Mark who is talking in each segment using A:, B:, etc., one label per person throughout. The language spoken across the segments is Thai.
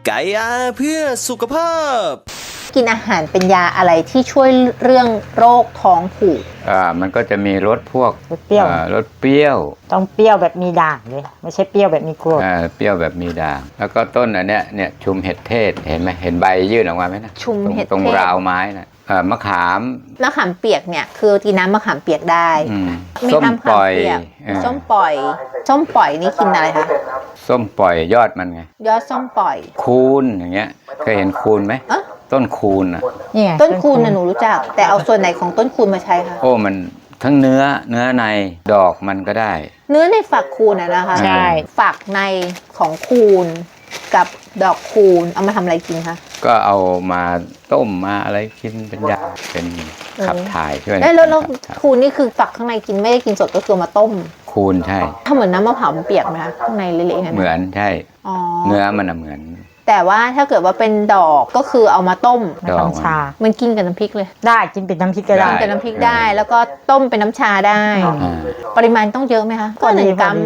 A: ไก่อาเพื่อสุขภาพ
B: กินอาหารเป็นยาอะไรที่ช่วยเรื่องโรคท้องผูก
C: มันก็จะมีรสพวก
D: รสเปรี้ยว
C: รสเปรี้ยว
D: ต้องเปรี้ยวแบบมีด่างเลยไม่ใช่เปรี้ยวแบบมีกรด
C: เปรี้ยวแบบมีด่างแล้วก็ต้นอันเนี้ยเนี่ยชุมเห็ดเทศเห็นไหมเห็นใบยื่นออกมาไหมนะ
B: ชุมเห็ดเทศ
C: ตรงราวไม้นะมะขาม
B: เปียกเนี่ยคือกินน้ำมะขามเปียกได้
C: ส้มปล่อย
B: ส้มปล่อยนี่กินอะไรคะ
C: ส้มปล่อยยอดมันไง
B: ยอดส้มปล่อย
C: คูนอย่างเงี้ยเคยเห็นคูนไหมต้นคูนอ่ะ
B: ต้นคูนน่ะหนูรู้จักแต่เอาส่วนไหนของต้นคูนมาใช้คะ
C: โอ้มันทั้งเนื้อในดอกมันก็ได้
B: เนื้อในฝักคูนนะคะ
D: ใช่
B: ฝักในของคูนกับดอกคูนเอามาทำอะไรกินคะ
C: ก็เอามาต้มมาอะไรกินเป็นยาเป็นขับถ่ายช่วย
B: แล้วคูนนี่คือฝักข้างในกินไม่ได้กินสดก็คือมาต้ม
C: คูนใช่
B: ถ้าเหมือนน้ำมะพร้าวเปียกไหมคะข้างในเละๆ
C: เหมือนใช่เนื้อมันเหมือน
B: แต่ว่าถ้าเกิดว่าเป็นดอกก็คือเอามาต้ม
D: น้ำชา
B: มันกินกับน้ำพริกเลย
D: ได้กินเป็นน้ำพริกก็ได้
B: กินกับน้ำพริกได้แล้วก็ต้มเป็นน้ำชาได้ปริมาณต้องเยอะไหมคะ
D: ก็1 กรัม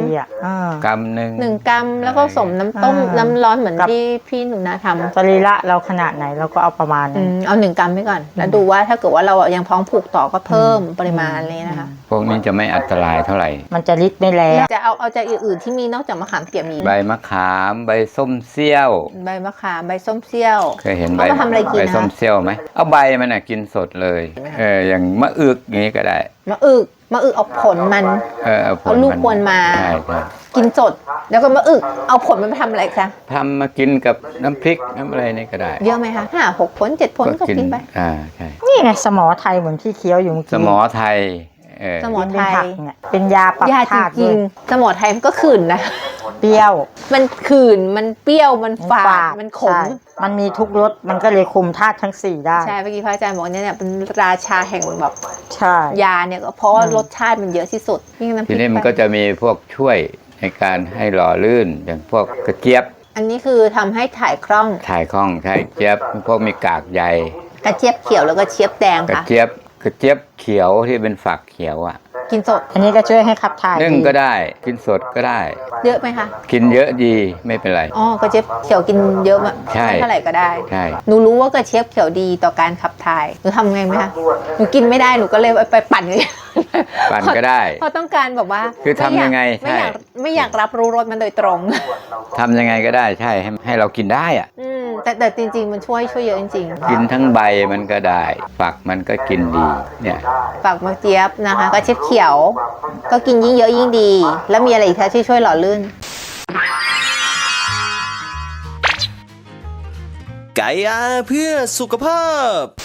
C: 1
B: กรัมแล้วก็ผสมน้ำต้มน้ำร้อนเหมือนที่พี่หนูนาทำ
D: สรีระเราขนาดไหนเราก็เอาประมาณ
B: เอา1 กรัมไปก่อนแล้วดูว่าถ้าเกิดว่าเรายังท้องผูกต่อก็เพิ่มปริมาณเลยนะคะ
C: พวกนี้จะไม่อันตรายเท่าไหร่
D: มันจะฤทธิ์ไม่แรง
B: จะเอาจากอื่นๆที่มีนอกจากมะขามเปียกมี
C: ใบมะขามใบส้มเซี่ยว
B: ใบมะขามใบส้มเซี่ยว
C: เคยเห็นใบส้มเซี่ยวไหมเอาใบมันกินสดเลยอย่างมะอึกอย่างนี้ก็ได้
B: มะอึกเอาผลมันเอาลูกควรมากินสดแล้วก็มะอึกเอาผลมันไปทำอะไรคะ
C: ทำมากินกับน้ำพริกน้ำอะไรนี่ก็ได้
B: เยอะไหมคะ5-6 ผล 7 ผลก็กินไป
C: ใช่
D: นี่ไงสมอไทยเหมือนที่เคี้ยวอยู่เมื่อกี้
C: สมอไทย
B: สมอไทย
D: เป็นยาปรับธาตุ
B: จริงสมอไทยมันก็ขื่นนะ
D: เปรี้ยว
B: มันขื่นมันเปรี้ยวมันฝาดมันขม
D: มันมีทุกรสมันก็เลยคุมธาตุทั้ง4ได้
B: ใช่เมื่อกี้พระอาจารย์บอกเนี่ยเป็นราชาแห่งแบบยาเนี่ยก็เพราะรสชาติมันเยอะที่สุด
C: ทีนี้มันก็จะมีพวกช่วยในการให้หล่อลื่นอย่างพวกกระเจี๊ยบ
B: อันนี้คือทำให้ถ่ายคล่อง
C: ใช่เจี๊ยบพวกมีกากใย
B: กระเจี๊ยบเขียวแล้วก็เจี๊ยบแดงค่ะ
C: กระเจี๊ยบเขียวที่เป็นฝักเขียว
B: กินสด
D: อันนี้ก็ช่วยให้ขับถ่าย
C: นึ่งก็ได้กินสดก็ได้
B: เยอะไหมคะ
C: กินเยอะดีไม่เป็นไร
B: กระเจี๊ยบเขียวกินเยอะมั้ยเท่าไหร่ก็ได้
C: ใช่
B: หนูรู้ว่ากระเจี๊ยบเขียวดีต่อการขับถ่ายหนูทำไงไหมคะหนูกินไม่ได้หนูก็เลยไปปั่น
C: ก็ได้
B: เพราะต้องการแบบว่า
C: คือทำยังไง
B: ไม่อยากรับรู้รสมันโดยตรง
C: ทำยังไงก็ได้ใช่ให้เรากินได้
B: แต่จริงๆมันช่วยเยอะจริง
C: ๆกินทั้งใบมันก็ได้ฝักมันก็กินดีเนี่ย
B: ฝักมะเจี๊ยบนะคะกระเจี๊ยบเขียวก็กินยิ่งเยอะยิ่งดีแล้วมีอะไรอีกคะที่ช่วยหล่อลื่น
A: ไก่อาเพื่อสุขภาพ